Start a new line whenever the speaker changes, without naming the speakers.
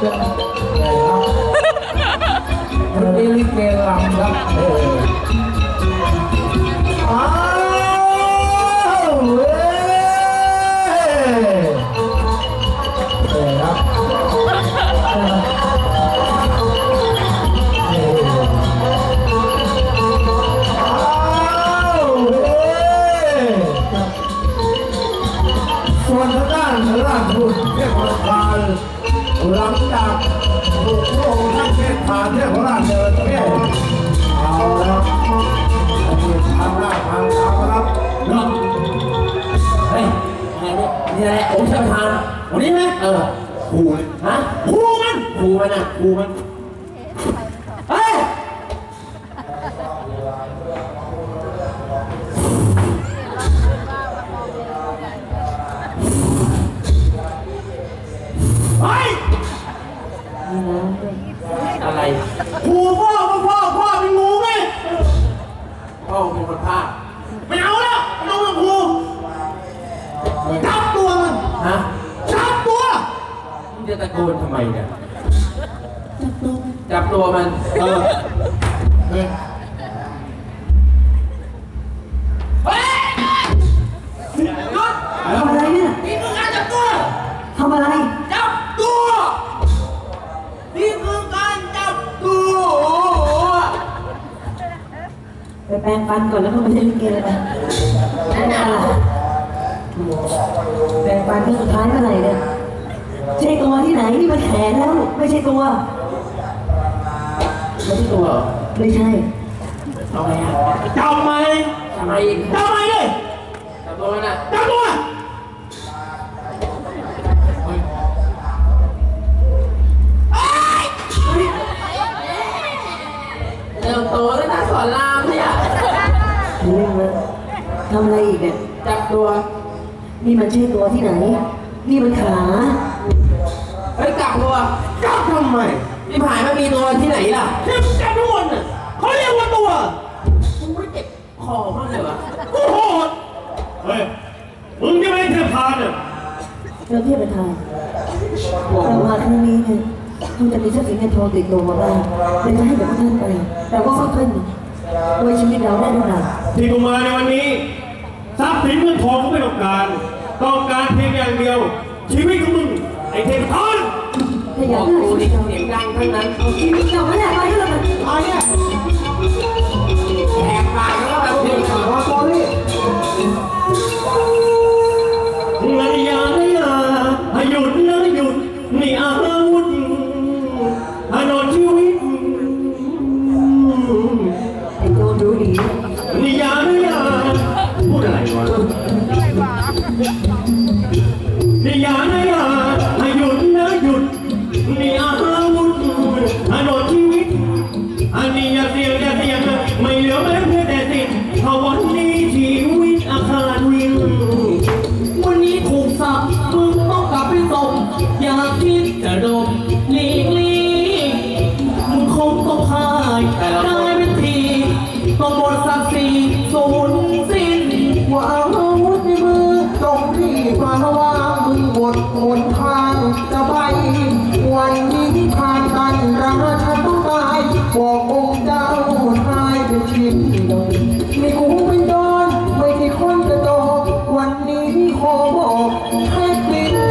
วันนี้ลิเกลำครับอ้าวเว้ยครับส่วนทางด้านราชบุตรเทพราชหลังจากถูกพระองค์ท่านเทพาเทพราชเดินเที่ยวเอาแล้วทำหน้าทางตามครับเนาะ
เฮ้ยนี่แหละองค์ชายประธานวันนี้ไหมครูฮะครูมันอ่ะครูมันเฮ้ยอะไรครูพ่อเป็นงูไงพ่อเป็นคนพาไม่เอาแล้วน้องครูจับตัวมันฮะจับตัวมึงจะตะโกนทำไมเนี่ยจับตัวมันเฮ้ยเฮ้ยหยุด
ทำอะไรเนี่ย
นี่คือการจับตัว
ทำอะไร
จับตัวนี่คือการจับตัว
ไปแปรงฟันก่อนแล้วก็มาเล่นลิเกไปแปรงฟันที่สุดท้ายเมื่อไหร่เนี่ยใช่ตัวที่ไหนนี่มันแขนแล้วไม่ใช่ตัวไม่ใช่
เอาไงอ่ะจับไหมทำไมเลยจับตัวน่ะจับตัวเริ่มโตแล้วนะสอนรามเนี่ย
เล่นนะทำอะไรอีกเนี่ย
จับตัว
นี่มันใช่ตัวที่ไหนนี่มันขา
เฮ้ยจับตัวจับทำไมนี่ผ่านมามีตัวที่ไหนล่ะที่จับทุกคนน่ะเขาเรียกว่าตัวมึงไม่เจ็บคอมากเลยวะกูโหด
เฮ้ยมึงจะไม่เทพาเนี่ย
เราเทียบเป็นทางเรามาครั้งนี้เนี่ยคุณจะมีทรัพย์สินเงินทองติดตัวมาบ้างเลยจะให้กับท่านไปแต่ว่าค่อยๆโดยชีวิตเราได้เท่าไหร่
ที่กูมาในวันนี้ทรัพย์สินเงินทองกูไม่ต้องการเพียงอย่างเดียวชีวิตของมึงไอ้เทพทอน
ถ้าอยากได้
ชีวิตเสียงดังทั้งนั้น
เราไม่อยากไปก็เลย
เอาเนี่ยแหกปากแล้วแบบนี้
มาโกลี่อย่าหยุดนี่อาวุธถนนชีวิต
ไอ้โจดูดี
นี่อย่าพูดอะไรวะนี่อย่าหยุดนี่อาวุธถนนชีวิตอันนี้อย่าเสียงไม่เหลือแม้เพียงแต่สิทธิ์เพราะวันนี้ชีวิตอาคารวิ่ง
วันนี้ถูกสับมึงต้องกลับไปส่งอย่าคิดจะดมหลีกมึงคงต้องพายได้เป็นทีต้องหมดศักดิ์ศรีสูญสิ้น
ว่าอาวุธในมือต้องรีบมาวางมึงหมดทางจะไปวันนี้ผ่านกันราชาต้องตายบอกองค์เจ้าตายเป็นชิ้นเดียวไม่กูเป็นโดนไม่ใช่คนกระโดดวันนี้ขอบอกให้กลิ่น